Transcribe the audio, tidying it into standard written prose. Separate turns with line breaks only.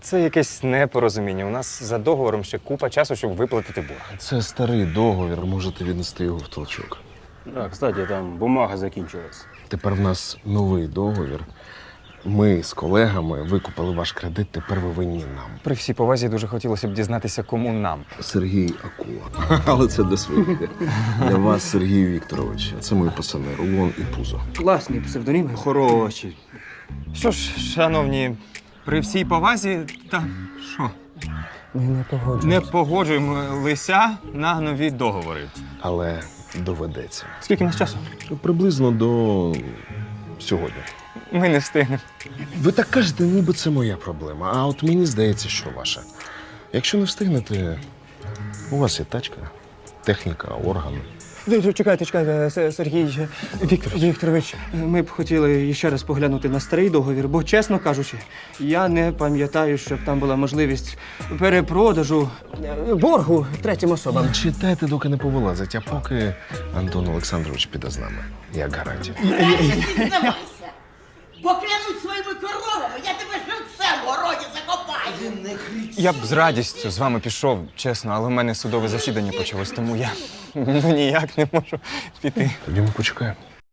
Це якесь непорозуміння. У нас за договором ще купа часу, щоб виплатити борг.
Це старий договір, можете віднести його в толчок.
Да, кстати, там бумага закінчилась.
Тепер в нас новий договір. Ми з колегами викупили ваш кредит, тепер ви винні нам.
При всій повазі дуже хотілося б дізнатися, кому нам.
Сергій Акула. Але це для своїх. Для вас, Сергій Вікторович. Це мої пацани Рулон і Пузо.
Класні псевдоніми, хороші.
Що ж, шановні, при всій повазі, та що?
Ми не погоджуємося.
Не погоджуємося на нові договори.
Але доведеться.
Скільки в нас часу?
Приблизно до сьогодні.
Ми не встигнемо.
Ви так кажете, ніби це моя проблема, а от мені здається, що ваша. Якщо не встигнете, у вас є тачка, техніка, органи.
Чекайте, Сергій Вікторович. Ми б хотіли ще раз поглянути на старий договір, бо, чесно кажучи, я не пам'ятаю, щоб там була можливість перепродажу боргу третім особам.
Читайте, доки не повилазить, а поки Антон Олександрович піде з нами, як гарантія.
Зізнавайся! Поклянусь своїми коровами, я тебе живцем в городі закопаю!
Я б з радістю з вами пішов, чесно, але в мене судове засідання почалось, тому я ніяк не можу піти.
Тоді ми почекаємо.